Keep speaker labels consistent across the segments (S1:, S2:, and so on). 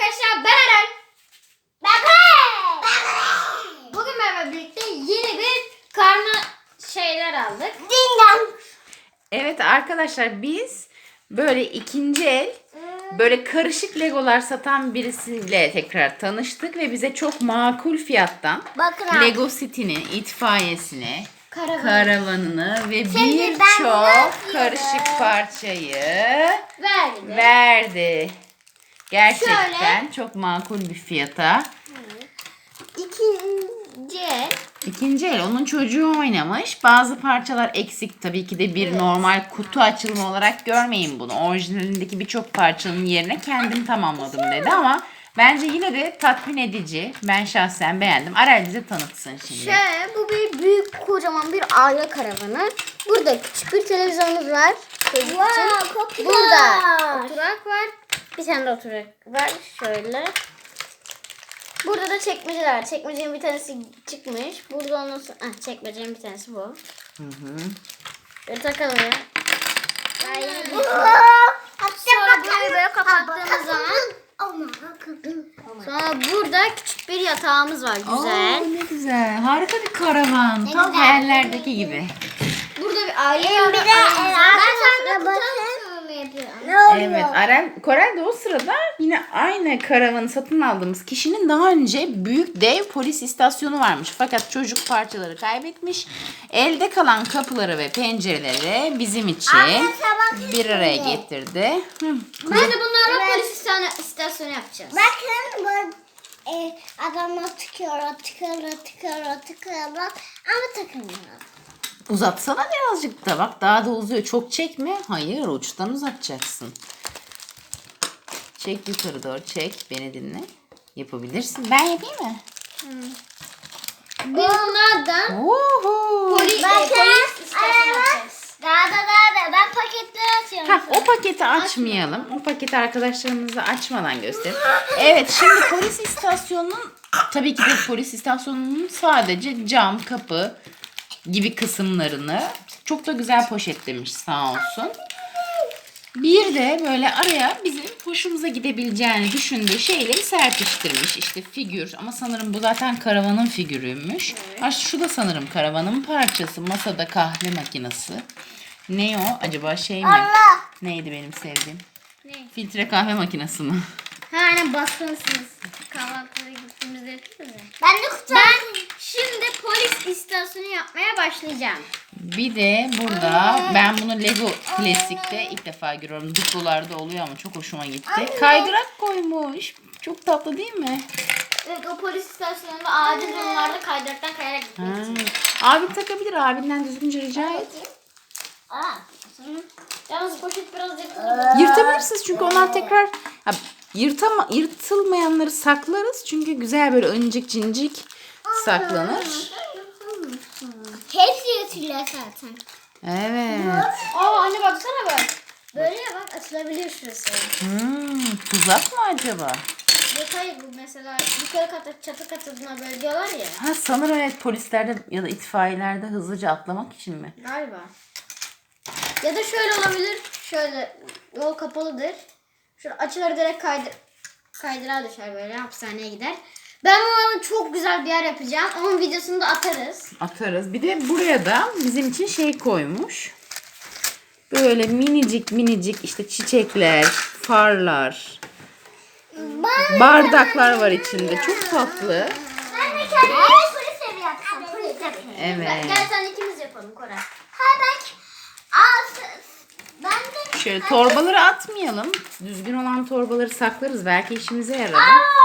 S1: arkadaşlar, ben Eren. Bugün benimle birlikte yeni bir karma şeyler aldık.
S2: Evet arkadaşlar, biz böyle ikinci el böyle karışık legolar satan birisiyle tekrar tanıştık ve bize çok makul fiyattan
S3: Bakın
S2: Lego City'nin itfaiyesini,
S1: Karavan.
S2: karavanını ve
S3: ben bunu
S2: birçok karışık parçayı verdi. Gerçekten çok makul bir fiyata.
S1: İkinci el.
S2: İkinci el, onun çocuğu oynamış. Bazı parçalar eksik. Tabii ki de bir normal kutu açılımı olarak görmeyin bunu. Orijinalindeki birçok parçanın yerine kendim tamamladım dedi ama bence yine de tatmin edici. Ben şahsen beğendim. Arel bize tanıtsın şimdi.
S1: Bu bir büyük kocaman bir aile karavanı. Burada küçük bir televizyonumuz var. Çocuk için. Burada oturak var. Bir tane de oturak var. Şöyle. Burada da çekmeceler var. Çekmecenin bir tanesi çıkmış. Burada ondan sonra... çekmecenin bir tanesi bu.
S2: Hı.
S1: Böyle takalım ya. Sonra burayı böyle kapattığımız zaman... Sonra burada küçük bir yatağımız var. Güzel.
S2: Oo, ne güzel. Harika bir karavan. Tam hayallerdeki gibi.
S1: Burada bir aile
S3: Bir de
S1: Ben sana
S2: Evet, Korel de o sırada yine aynı karavanı satın aldığımız kişinin daha önce büyük dev polis istasyonu varmış. Fakat çocuk parçaları kaybetmiş. Elde kalan kapıları ve pencereleri bizim için bir araya getirdi.
S1: Ben de bunlarla polis istasyonu yapacağız.
S3: Bakın bu adamlar tıkıyor ama takılmıyor.
S2: Uzatsana birazcık da. Bak daha da uzuyor. Çok çekme. Hayır, uçtan uzatacaksın. Çek yukarı doğru. Çek. Beni dinle. Yapabilirsin. Ben yapayım mı?
S1: Bunlardan
S2: Oho.
S1: polis istasyonu yapacağız.
S3: Daha ben paketler atıyorum.
S2: Ha, o paketi açmayalım. O paketi arkadaşlarımıza açmadan gösterelim. Evet, şimdi polis istasyonunun tabii ki de polis istasyonunun sadece cam, kapı gibi kısımlarını çok da güzel poşetlemiş sağ olsun. Bir de böyle araya bizim hoşumuza gidebileceğini düşündüğü şeyleri serpiştirmiş. İşte figür, ama sanırım bu zaten karavanın figürüymüş. Ha, şu da sanırım karavanın parçası. Masada kahve makinesi. Ne o? Acaba şey mi? Neydi benim sevdiğim?
S1: Ne?
S2: Filtre kahve makinesi mi?
S1: Aynen basmışsınız. Kahvaltıya gittiğimizde yapıyoruz ya.
S3: Ben de kutu
S1: Ben şimdi polis istasyonu yapmaya başlayacağım.
S2: Bir de burada ben bunu Lego Klasik'te ilk defa görüyorum. Duplolarda oluyor ama çok hoşuma gitti. Kaydırak koymuş. Çok tatlı değil mi?
S1: Evet, o polis istasyonunda acil durumlarda kaydıraktan kayarak gitmek için.
S2: Abi takabilir. Abinden düzgünce rica et.
S1: Yalnız poşet biraz yırtılır.
S2: Yırtabilirsiniz çünkü onlar tekrar yırtılmayanları saklarız. Çünkü güzel böyle öncik cincik saklanır.
S3: hepsi yatırıyor zaten.
S2: Evet.
S1: Anne baksana bak. Böyle ya bak, açılabiliyor şurası.
S2: Tuzak mı acaba?
S1: Yok hayır, bu mesela yukarı kata, çatı katına böyle diyorlar ya.
S2: Ha, sanırım evet, polislerde ya da itfaiyelerde hızlıca atlamak için mi?
S1: Galiba. Ya da şöyle olabilir. Şöyle yol kapalıdır. Şöyle açılır, direkt kaydırağa düşer, böyle hapishaneye gider. Ben bu çok güzel bir yer yapacağım. Onun videosunu da atarız.
S2: Atarız. Bir de buraya da bizim için şey koymuş. Böyle minicik işte çiçekler, farlar, bardaklar var içinde. Çok tatlı.
S3: Ben de kendime polis evi yaptım. Polis evi.
S2: Evet.
S1: Gel sen ikimiz yapalım Koray.
S3: Ben de
S2: Şöyle torbaları atmayalım. Düzgün olan torbaları saklarız. Belki işimize yarar.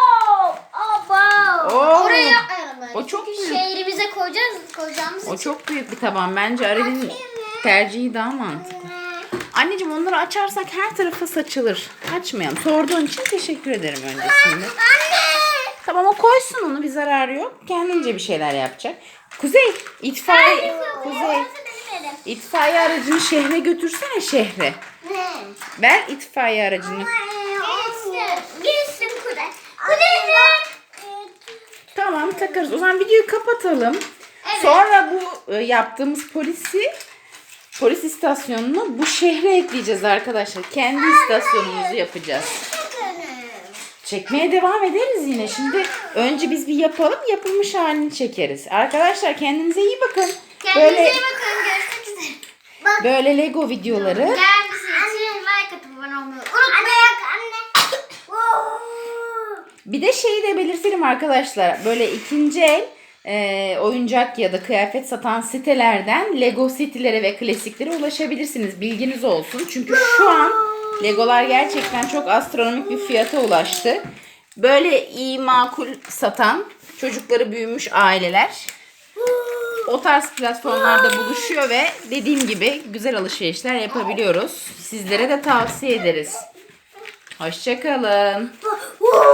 S2: Oo.
S1: Oraya yapmayalım böyle.
S2: O çok
S1: Çünkü
S2: büyük.
S1: şehrimize koyacağımız
S2: O
S1: için.
S2: çok büyük bir taban. Bence Arel'in tercihi daha mantıklı. Anneciğim, onları açarsak her tarafa saçılır. Açmayalım. Sorduğun için teşekkür ederim öncesinde. Tamam, o koysun onu, bir zararı yok. Kendince bir şeyler yapacak. Kuzey, itfaiye aracını şehre götürsene, şehre. Ver itfaiye aracını.
S3: Gitsin Kudey.
S2: Tamam, takarız. O zaman videoyu kapatalım. Sonra bu yaptığımız polis istasyonunu bu şehre ekleyeceğiz arkadaşlar. Kendi istasyonumuzu yapacağız. Çekmeye devam ederiz yine. Şimdi önce biz bir yapalım. Yapılmış halini çekeriz. Arkadaşlar kendinize iyi bakın.
S1: Kendinize iyi bakın. Görüşmek üzere.
S2: Böyle Lego videoları.
S1: Gelmesi için like atıp abone olmayı unutmayın.
S3: Anne.
S2: Bir de şeyi de belirtelim arkadaşlar. Böyle ikinci el oyuncak ya da kıyafet satan sitelerden Lego City'lere ve klasiklere ulaşabilirsiniz. Bilginiz olsun. Çünkü şu an Legolar gerçekten çok astronomik bir fiyata ulaştı. Böyle iyi makul satan çocukları büyümüş aileler o tarz platformlarda buluşuyor ve dediğim gibi güzel alışverişler yapabiliyoruz. Sizlere de tavsiye ederiz. Hoşça kalın.